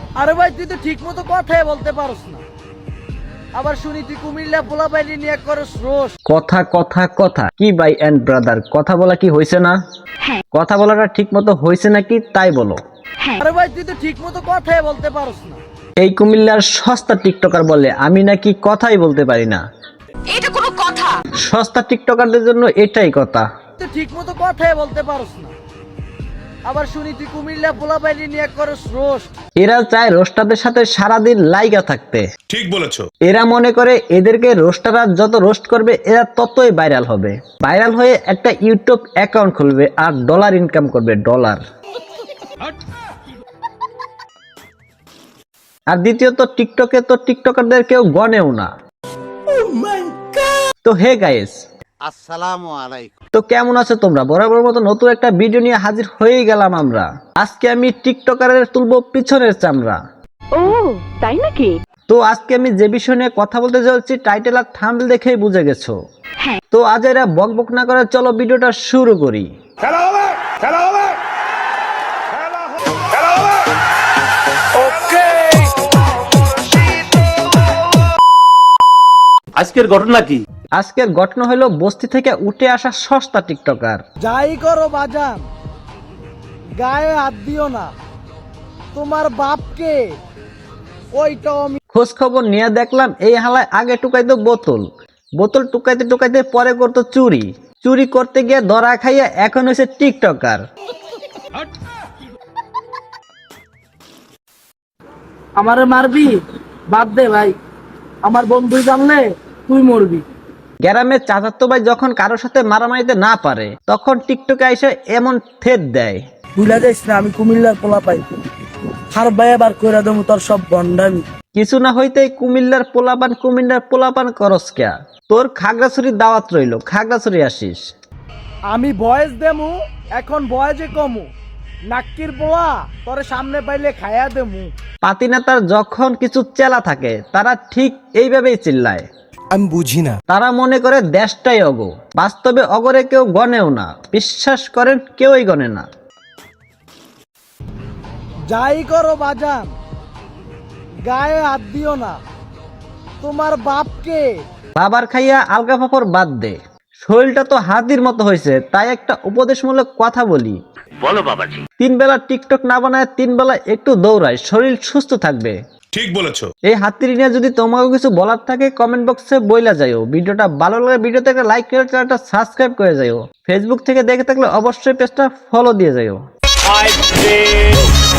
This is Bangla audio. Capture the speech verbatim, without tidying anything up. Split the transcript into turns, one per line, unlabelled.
আরে ভাই তুই তো ঠিক মতো কথাই বলতে পারস না, আবার শুনি তুই কুমিল্লা পোলা বাইলি নিয়ে করস রোস।
কথা কথা কথা কি ভাই এন্ড ব্রাদার, কথা বলা কি হয়েছে না? কথা বলাটা ঠিক মতো হয়েছে নাকি তাই বলো।
আরে ভাই তুই তো ঠিক মতো কথাই বলতে পারস না।
এই কুমিল্লার সস্তা টিকটকার বলে আমি নাকি কথাই বলতে পারি না।
এটা কোনো কথা?
সস্তা টিকটকারদের জন্য এটাই কথা।
তুই ঠিক মতো কথাই বলতে পারস না, আবার শুনি তুই কুমিল্লা পোলা বাইলি নিয়ে করস রোস।
এরা চায় রোস্টারদের সাথে সারাদিন লাইগা থাকতে।
ঠিক বলেছো।
এরা মনে করে এদেরকে রোস্টাররা যত রোস্ট করবে এরা ততই ভাইরাল হবে, ভাইরাল হয়ে একটা ইউটিউব অ্যাকাউন্ট খুলবে আর ডলার ইনকাম করবে, ডলার। আর দ্বিতীয়ত টিকটকে তো টিকটকারদের কেউ গনেও না। তো হে গাইস,
আসসালামু আলাইকুম।
তো কেমন আছো তোমরা? বরাবর মতো নতুন একটা ভিডিও নিয়ে হাজির হয়ে গেলাম আমরা। আজকে আমি টিকটকারের তুলবো পিছনের চামড়া।
ও তাই নাকি?
তো আজকে আমি যে বিষয় নিয়ে কথা বলতে যাচ্ছি টাইটেল আর থাম্বনেল দেখেই বুঝে গেছো। তো আজ এরা বক বক না করে চলো ভিডিওটা শুরু করি।
খেলা হবে, খেলা হবে, খেলা হবে। ওকে,
আজকের ঘটনা কি?
আজকের ঘটনা হলো বস্তি থেকে উঠে আসা সস্তা টিকটকার।
যাই করো বাজান, গায়ে হাত দিও না, তোমার বাপকে ওইটাও আমি।
খোঁজ খবর নিয়ে দেখলাম এই হালায় আগে টুকাইতো বোতল, বোতল টুকাইতে টুকাইতে পরে করতো চুরি, চুরি করতে গিয়ে ধরা খাইয়া এখন হয়েছে টিকটকার।
আমারে মারবি? বাদ দে ভাই, আমার বন্ধু জানলে তুই মরবি।
গ্রামের চাচাতো ভাই যখন কারোর সাথে মারামারিতে না পারে তখন টিকটকে এসে এমন থেদ দেয়।
ভুলা যাইস না আমি কুমিল্লার পোলা পাই, হার ভাই আবার কইরা দেবো তোর সব গন্ডামি।
কিছু না হইতেই কুমিল্লার পোলাপান কুমিল্লার পোলাপান করস কেয়া? তোর খাগড়াছড়ির দাওয়াত রইল, খাগড়াছড়ি আসিস।
আমি বয়স দেমু, এখন বয়সে কমু, নাক্কির পোলা তোরে সামনে পাইলে খায়া দেমু।
পাতিনেতার যখন কিছু চেলা থাকে তারা ঠিক এইভাবেই চিল্লায়।
আমি বুঝি না।
তারা মনে করে দেশটাই অগ, বাস্তবে অগরে কেউ গনেও না, বিশ্বাস করেন কেউই গনে না।
যাই করো বাজান, গায়ে হাত দিও না, তোমার বাপকে।
বাবার খাইয়া আলগা ফাফর বাদ দে, শরীরটা তো হাতির মতো হয়েছে, তাই একটা উপদেশমূলক কথা বলি।
বলো বাবাজি।
তিন বেলা টিকটক না বানায় তিন বেলা একটু দৌড়ায়, শরীর সুস্থ থাকবে।
ঠিক বলেছো।
এই হাতির নিয়ে যদি তোমাকে কিছু বলার থাকে কমেন্ট বক্সে বইলা যাইও। ভিডিওটা ভালো লাগে ভিডিওতে একটা লাইক করে চ্যানেলটা সাবস্ক্রাইব করে যাইও। ফেসবুক থেকে দেখে থাকলে অবশ্যই পেজটা ফলো দিয়ে যাইও।